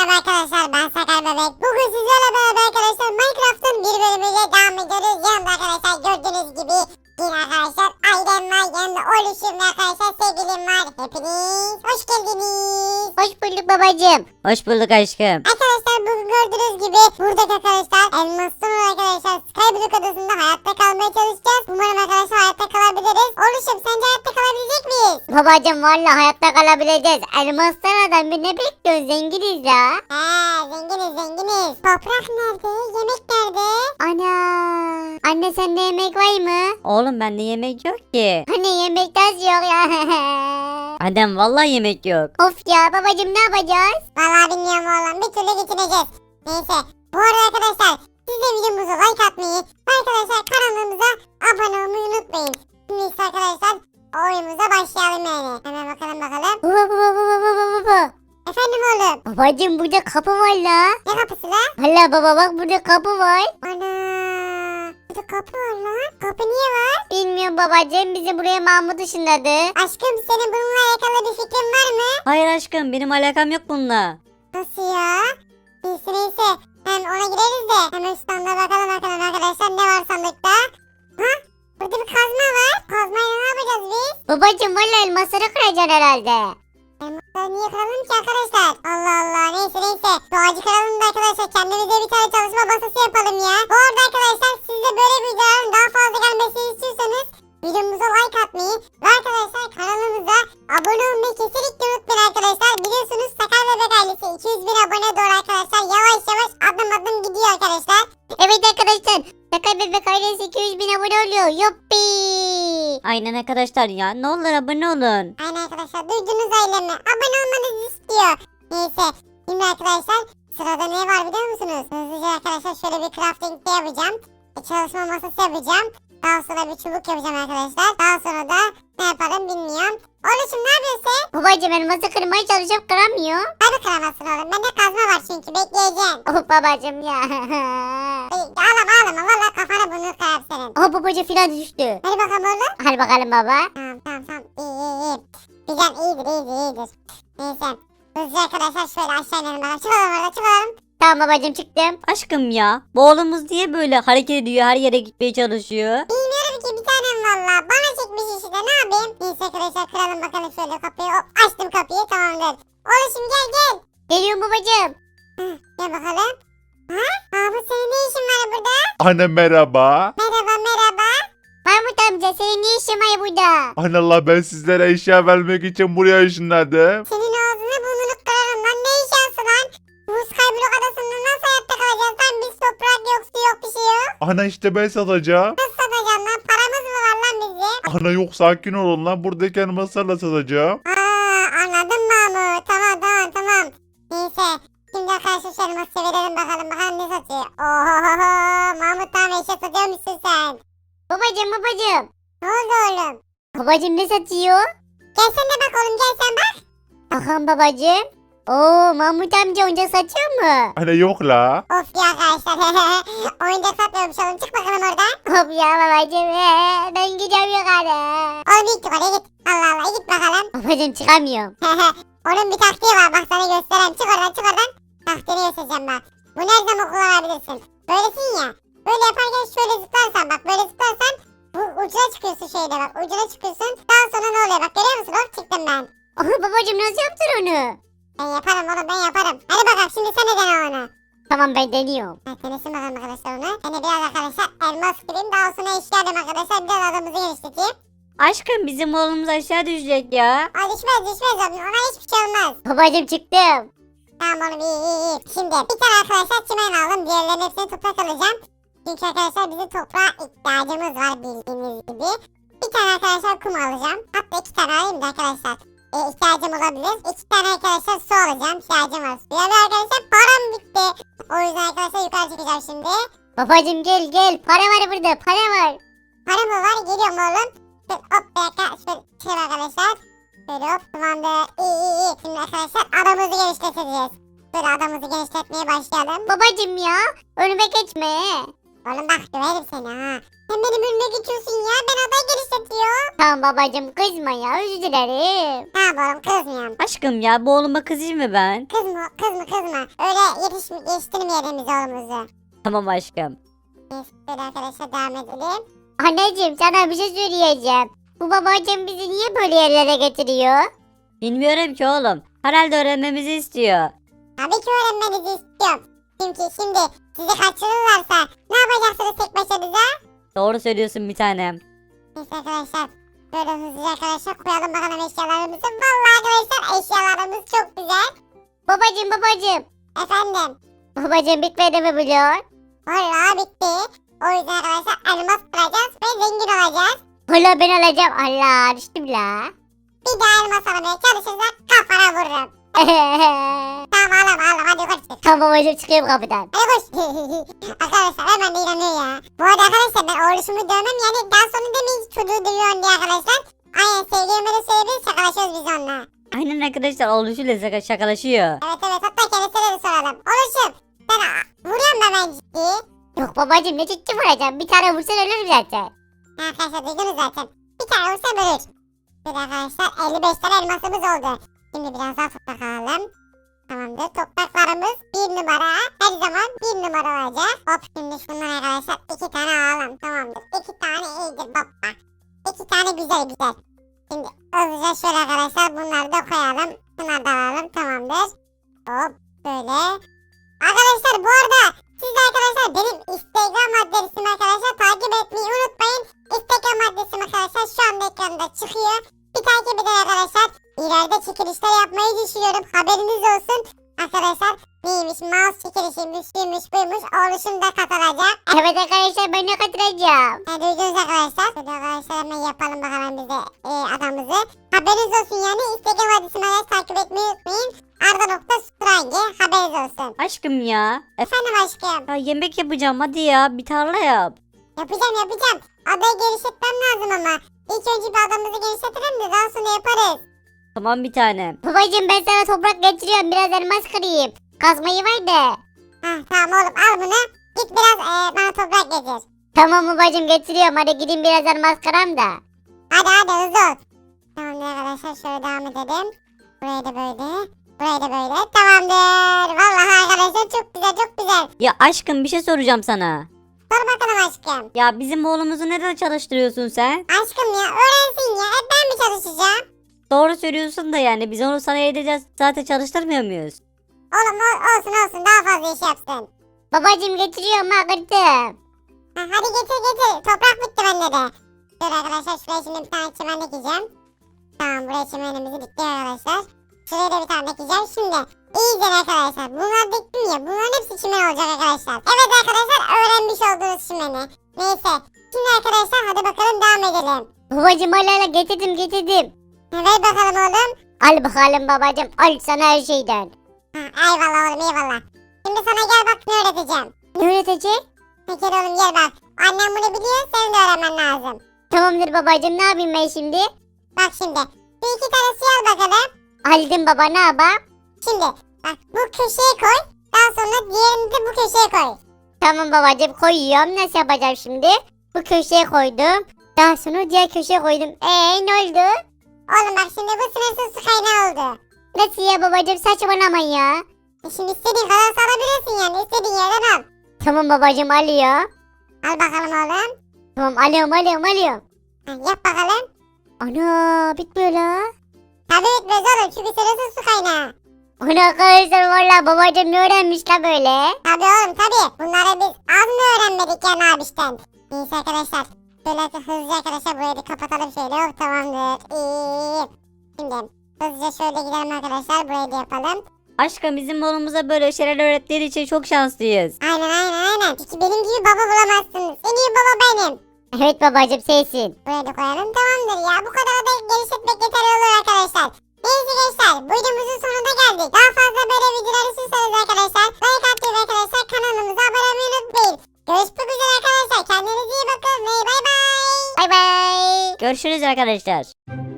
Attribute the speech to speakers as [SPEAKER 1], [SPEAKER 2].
[SPEAKER 1] Merhaba arkadaşlar, ben Sakar Bebek. Bugün sizlerle beraber arkadaşlar Minecraft'ın bir bölümüyle devam ediyoruz. Yanımda arkadaşlar gördüğünüz gibi yine arkadaşlar ailem var, yanımda oluşum ve arkadaşlar sevgilim var. Hepiniz hoş geldiniz.
[SPEAKER 2] Hoş bulduk babacığım.
[SPEAKER 3] Hoş bulduk aşkım.
[SPEAKER 1] Arkadaşlar bugün gördüğünüz gibi buradaki arkadaşlar elmasın arkadaşlar Skyblock adasında hayatta kalmaya çalışacağız. Umarım arkadaşlar hayatta kalabiliriz. Oluşum, sence hayatta kalabilecek miyiz?
[SPEAKER 2] Babacığım valla hayatta kalabileceğiz. Elmastan adam bir ne bekliyorsun, zenginiz ya.
[SPEAKER 1] Zenginiz. Toprak nerede? Yemek nerede?
[SPEAKER 2] Ana. Anne sende yemek var mı?
[SPEAKER 3] Oğlum bende yemek yok ki.
[SPEAKER 2] Hani yemek az yok ya.
[SPEAKER 3] Adem vallahi yemek yok.
[SPEAKER 2] Of ya babacığım ne yapacağız?
[SPEAKER 1] Vallahi bilmiyorum oğlum, bir türlü geçineceğiz. Neyse, bu arada arkadaşlar siz de videomuza like atmayı ve arkadaşlar kanalımıza abone olmayı unutmayın. Şimdi ise arkadaşlar oyunumuza başlayalım yani. Hemen bakalım.
[SPEAKER 2] Baba.
[SPEAKER 1] Efendim oğlum,
[SPEAKER 2] Babacığım burada kapı var la.
[SPEAKER 1] ne kapısı lan?
[SPEAKER 2] Valla baba bak burada kapı var.
[SPEAKER 1] Ana, burada kapı var lan. Kapı niye var?
[SPEAKER 2] Bilmiyorum babacığım, bizi buraya Mahmut ışınladı.
[SPEAKER 1] Aşkım, senin bununla alakalı bir fikrin var mı?
[SPEAKER 3] Hayır aşkım benim alakam yok bununla.
[SPEAKER 1] Nasıl ya? Neyse. Hem ona gireriz de. Hemen standa bakalım arkadaşlar ne var sandıkta. Ha? Burada bir kazma var. Kazmayla ne yapacağız biz?
[SPEAKER 2] Babacığım valla elmasları kıracaksın herhalde.
[SPEAKER 1] Elmasları niye kıralım ki arkadaşlar? Allah Allah, neyse. Şu ağacı kıralım da arkadaşlar kendimize bir tane çalışma masası yapalım ya. Bu arada arkadaşlar siz de böyle videoların daha fazla gelmesini istiyorsanız videomuza like atmayı ve arkadaşlar kanalımıza abone olmayı kesinlikle unutmayın arkadaşlar. Biliyorsunuz Sakar Bebek ailesi 200 bin abone doğru arkadaşlar. Yavaş adım gidiyor arkadaşlar.
[SPEAKER 2] Evet arkadaşlar. Sakar Bebek ailesi 200 bin abone oluyor. Yuppi.
[SPEAKER 3] Aynen arkadaşlar ya ne olur abone olun.
[SPEAKER 1] Aynen arkadaşlar, duydunuz ailemi. Abone olmanızı istiyor. Neyse, şimdi arkadaşlar sırada ne var biliyor musunuz? Hızlıca arkadaşlar şöyle bir crafting de yapacağım. Çalışma masası yapacağım. Daha sonra bir çubuk yapacağım arkadaşlar. Daha sonra da ne yaparım bilmiyorum. Oluşum ne yapıyorsun?
[SPEAKER 2] Babacığım elması kırmaya çalışıp kıramıyor.
[SPEAKER 1] Hadi kıramazsın oğlum. Bende kazma var çünkü bekleyeceğim.
[SPEAKER 2] Oh babacığım ya.
[SPEAKER 1] Ağlama valla kafana bunu kırar senin.
[SPEAKER 2] Oh babacığım filan düştü.
[SPEAKER 1] Hadi bakalım oğlum.
[SPEAKER 2] Hadi bakalım baba.
[SPEAKER 1] Tamam. İyi. Güzel, iyidir. Neyse. Hızlı arkadaşlar şöyle aşağı inelim bakalım. Çıkalım.
[SPEAKER 2] Tamam babacığım çıktım.
[SPEAKER 3] Aşkım ya bu oğlumuz niye böyle hareket ediyor her yere gitmeye çalışıyor?
[SPEAKER 1] Bilmiyorum ki, bir tanem valla. Bana çekmiş işte, ne yapayım? Neyse arkadaşlar kıralım bakalım şöyle kapıyı. Hop, açtım kapıyı, tamamdır. Oluşum gel.
[SPEAKER 2] Geliyorum babacığım.
[SPEAKER 1] Gel bakalım. Bu senin ne işin var burada?
[SPEAKER 4] Anne merhaba.
[SPEAKER 1] Merhaba.
[SPEAKER 2] Mahmut amca senin ne işin var burada?
[SPEAKER 4] Anne Allah ben sizlere eşya vermek için buraya ışınladım.
[SPEAKER 1] Senin ağzını burnunu kırarım lan. Ne iş yapsın lan? Bu Skyblock adasında nasıl hayatta kalacağız lan? Biz toprak yok, su yok, bir şey yok.
[SPEAKER 4] Ana işte ben satacağım.
[SPEAKER 1] Nasıl satacağım lan? Paramız mı var lan bizim?
[SPEAKER 4] Ana yok sakin olun lan buradaki elmaslarla satacağım.
[SPEAKER 1] Anladım Mahmut. Tamam. Neyse. Şimdi arkadaşlar şöyle masaya verelim bakalım ne satıyor. Ohohoho. Mahmut, tamam eşya satıyormuşsun sen.
[SPEAKER 2] Babacığım.
[SPEAKER 1] Ne oldu oğlum?
[SPEAKER 2] Babacığım ne satıyor?
[SPEAKER 1] Gel sen de bak oğlum, gel sen bak.
[SPEAKER 2] Bakalım babacığım. Oo Mahmut amca oyuncak satıyor mu?
[SPEAKER 4] Anne yok la.
[SPEAKER 1] Of ya arkadaşlar. Oyuncak satmıyormuş oğlum, çık bakalım oradan.
[SPEAKER 2] Hop ya babacığım. Ben gidiyorum yukarı.
[SPEAKER 1] Oğlum git oraya git. Allah git bakalım.
[SPEAKER 2] Babacığım çıkamıyorum.
[SPEAKER 1] Onun bir taktiği var, bak sana göstereyim. Çık oradan. Taktiğini göstereceğim bak. Bu her zaman kullanabilirsin. Böylesin ya. Böyle yaparken şöyle zıplarsan bak, böyle zıplarsan bu ucuna çıkıyorsun şeyde bak. Ucuna çıkıyorsun. Daha sonra ne oluyor bak, görüyor musun? Hop, çıktım ben.
[SPEAKER 2] Aha babacığım nasıl yaptın onu?
[SPEAKER 1] Ben yaparım oğlum, ben yaparım. Hadi bakalım şimdi sen de dene onu.
[SPEAKER 2] Tamam ben deniyorum.
[SPEAKER 1] Denesin bakalım arkadaşlar onu. Ben de biraz arkadaşlar elmas kırayım. Daha sonra işlerim arkadaşlar. Biraz adamımızı genişleteyim.
[SPEAKER 3] Aşkım bizim oğlumuz aşağı düşecek ya.
[SPEAKER 1] Ay düşmez oğlum. Ona hiçbir şey olmaz.
[SPEAKER 2] Babacığım çıktım.
[SPEAKER 1] Tamam oğlum, iyi. Şimdi bir tane arkadaşlar çimen aldım. Diğerlerinin hepsini toprak alacağım. Çünkü arkadaşlar bizim toprağa ihtiyacımız var bildiğiniz gibi. Bir tane arkadaşlar kum alacağım. Hatta 2 tane alayım da arkadaşlar. İhtiyacım olabilir. 2 tane arkadaşlar su alacağım. İhtiyacım var suya. Ve arkadaşlar param bitti. O yüzden arkadaşlar yukarı çıkacağım şimdi.
[SPEAKER 2] Babacığım gel. Para var burada para var.
[SPEAKER 1] Param mı var? Geliyorum oğlum. Şöyle hop bir dakika. Şöyle çıkayım arkadaşlar. Şöyle hop, tamamdır. İyi. Şimdi arkadaşlar adamımızı genişleteceğiz. Böyle adamımızı genişletmeye başlayalım.
[SPEAKER 2] Babacığım ya önüme geçme.
[SPEAKER 1] Oğlum bak döverim seni ha. Sen benim önüme geçiyorsun ya. Ben aday genişletiyorum.
[SPEAKER 2] Tamam babacım kızma ya özür dilerim.
[SPEAKER 1] Tamam oğlum kızmıyorum.
[SPEAKER 3] Aşkım ya bu oğluma kızayım mı ben?
[SPEAKER 1] Kızma. Öyle yetiştirmeyelim biz oğlumuzu.
[SPEAKER 3] Tamam aşkım.
[SPEAKER 1] Neyse böyle arkadaşlar devam edelim.
[SPEAKER 2] Anneciğim sana bir şey söyleyeceğim. Bu babacım bizi niye böyle yerlere getiriyor?
[SPEAKER 3] Bilmiyorum ki oğlum. Herhalde öğrenmemizi istiyor.
[SPEAKER 1] Tabii ki öğrenmenizi istiyorum. Çünkü şimdi sizi kaçırırlarsa ne yapacaksınız tek başınıza?
[SPEAKER 3] Doğru söylüyorsun bir tanem.
[SPEAKER 1] Neyse arkadaşlar. Böyle hızlıca arkadaşlar koyalım bakalım eşyalarımızı. Vallahi arkadaşlar eşyalarımız çok güzel.
[SPEAKER 2] Babacım.
[SPEAKER 1] Efendim.
[SPEAKER 2] Babacım bitmedi mi blok?
[SPEAKER 1] Vallahi bitti. O yüzden arkadaşlar elmas kıracağız ve zengin olacağız.
[SPEAKER 2] Hala ben alacağım. Allah düştüm la.
[SPEAKER 1] Bir daha elmas aramaya çalışırsak kafana vururum. Tamam ağlama hadi koş.
[SPEAKER 2] Tamam babacım çıkıyorum kapıdan.
[SPEAKER 1] Hadi koş. Arkadaşlar hemen de inanıyor ya. Bu arada arkadaşlar ben oğluşumu dövmem yani daha sonra demeyin ki çocuğu dövüyorsun diye arkadaşlar. Aynen sevgilime de söyleyebiliriz şakalaşıyoruz biz onunla.
[SPEAKER 3] Aynen arkadaşlar oğluşuyla şakalaşıyor.
[SPEAKER 1] Evet hatta kendisine de soralım. Oğluşum sen vuruyorsun da ben ciddi.
[SPEAKER 2] Yok babacım ne ciddi vuracağım. Bir tane vursan ölürüm zaten.
[SPEAKER 1] Arkadaşlar duydunuz zaten. Bir tane vursa bölür. Bir de arkadaşlar 55 tane elmasımız oldu. Şimdi biraz daha toprak alalım. Tamamdır. Topraklarımız 1 numara. Her zaman 1 numara olacak. Hop şimdi şundan arkadaşlar 2 tane alalım. Tamamdır. 2 tane iyidir baba. 2 tane güzel. Şimdi hızlıca şöyle arkadaşlar bunları da koyalım. Bunları da alalım. Tamamdır. Hop böyle. Arkadaşlar bu arada siz de arkadaşlar benim Instagram adresimi arkadaşlar takip etmeyi unutmayın. Instagram adresim arkadaşlar şu anda ekranda çıkıyor. Bir takip edin arkadaşlar. İleride çekilişler yapmayı düşünüyorum. Haberiniz olsun. Arkadaşlar neymiş mouse çekilişiymiş, şuymuş, buymuş. Oğluşum da katılacak.
[SPEAKER 2] Evet arkadaşlar ben de katılacağım.
[SPEAKER 1] Duydunuz arkadaşlar. Hadi arkadaşlar hemen yapalım bakalım bize adamızı. Haberiniz olsun yani. Instagram adresimi arkadaşlar takip etmeyi unutmayın. Arda.Strange haberiniz olsun.
[SPEAKER 3] Aşkım ya.
[SPEAKER 1] Efendim aşkım.
[SPEAKER 3] Ya yemek yapacağım hadi ya bir tarla yap.
[SPEAKER 1] Yapacağım. Adayı genişletmem lazım ama. İlk önce bir adamımızı genişletelim de daha sonra yaparız.
[SPEAKER 3] Tamam bir tanem.
[SPEAKER 2] Babacım ben sana toprak getiriyorum. Biraz elmas kırayım. Kazmayı ver de.
[SPEAKER 1] Tamam oğlum al bunu. Git biraz bana toprak getir.
[SPEAKER 2] Tamam babacım getiriyorum. Hadi gidin biraz elmas kıram da.
[SPEAKER 1] Hadi hızlı ol. Tamamdır arkadaşlar şöyle devam edelim. Burayı da böyle. Burayı da böyle. Tamamdır. Vallahi arkadaşlar çok güzel.
[SPEAKER 3] Ya aşkım bir şey soracağım sana.
[SPEAKER 1] Sor bakalım aşkım.
[SPEAKER 3] Ya bizim oğlumuzu neden çalıştırıyorsun sen?
[SPEAKER 1] Aşkım ya öğrensin ya. Hep ben mi çalışacağım?
[SPEAKER 3] Doğru söylüyorsun da yani biz onu sana edeceğiz zaten çalıştırmıyor muyuz?
[SPEAKER 1] Oğlum olsun daha fazla iş yapsın.
[SPEAKER 2] Babacım getiriyorum ha kırdım.
[SPEAKER 1] Hadi getir. Toprak bitti bende de. Dur arkadaşlar şuraya şimdi bir tane çimen dikeceğim. Tamam buraya çimenimizi diktik arkadaşlar. Şuraya da bir tane dikeceğim. Şimdi iyice arkadaşlar. Bunları diktim ya. Bunların hepsi çimen olacak arkadaşlar. Evet arkadaşlar öğrenmiş olduğunuz çimeni. Neyse. Şimdi arkadaşlar hadi bakalım devam edelim.
[SPEAKER 2] Babacım hala getirdim.
[SPEAKER 1] Ver bakalım oğlum.
[SPEAKER 2] Al bakalım babacım. Al sana her şeyden.
[SPEAKER 1] Eyvallah oğlum eyvallah. Şimdi sana gel bak ne öğreteceğim.
[SPEAKER 2] Ne öğretecek?
[SPEAKER 1] Gel oğlum gel bak. Annem bunu biliyor senin de öğrenmen lazım.
[SPEAKER 2] Tamamdır babacım ne yapayım ben şimdi?
[SPEAKER 1] Bak şimdi. Bir iki tane suyu al bakalım.
[SPEAKER 2] Aldım baba ne yapayım?
[SPEAKER 1] Şimdi bak bu köşeye koy. Daha sonra diğerini de bu köşeye koy.
[SPEAKER 2] Tamam babacım koyuyorum. Nasıl yapacağım şimdi? Bu köşeye koydum. Daha sonra diğer köşeye koydum. Ne oldu?
[SPEAKER 1] Oğlum bak şimdi bu sınırsız su kaynağı oldu.
[SPEAKER 2] Nasıl ya babacım saçmalama ya.
[SPEAKER 1] Şimdi istediğin kadar salabilirsin yani. İstediğin yerden al.
[SPEAKER 2] Tamam babacım alıyor.
[SPEAKER 1] Al bakalım oğlum.
[SPEAKER 2] Tamam alıyorum.
[SPEAKER 1] Yap bakalım.
[SPEAKER 2] Ana bitmiyor la.
[SPEAKER 1] Tabii bitmez oğlum çünkü sınırsız su kaynağı.
[SPEAKER 2] Ana arkadaşlar valla babacım ne öğrenmiş la böyle?
[SPEAKER 1] Tabii oğlum tabii. Bunları biz az mı öğrenmedik yani abişten. Neyse arkadaşlar. Böyle hızlıca arkadaşlar burayı bir kapatalım şöyle. Oh tamamdır. İyi. Şimdi hızlıca şöyle gidelim arkadaşlar. Burayı da yapalım.
[SPEAKER 3] Aşkım bizim oğlumuza böyle şeyler öğrettiğin için çok şanslıyız.
[SPEAKER 1] Aynen. Çünkü benim gibi baba bulamazsınız. En iyi baba benim.
[SPEAKER 2] Evet babacım sensin.
[SPEAKER 1] Buraya da koyalım tamamdır ya. Bu kadar da genişletmek yeterli olur arkadaşlar. Neyse gençler videomuzun sonuna geldik. Daha fazla böyle videolar istiyorsanız arkadaşlar like atmayı arkadaşlar kanalımıza abone olmayı unutmayın. Görüşmek üzere arkadaşlar. Kendinize iyi bakın ve bay bay.
[SPEAKER 2] Bay bay.
[SPEAKER 3] Görüşürüz arkadaşlar.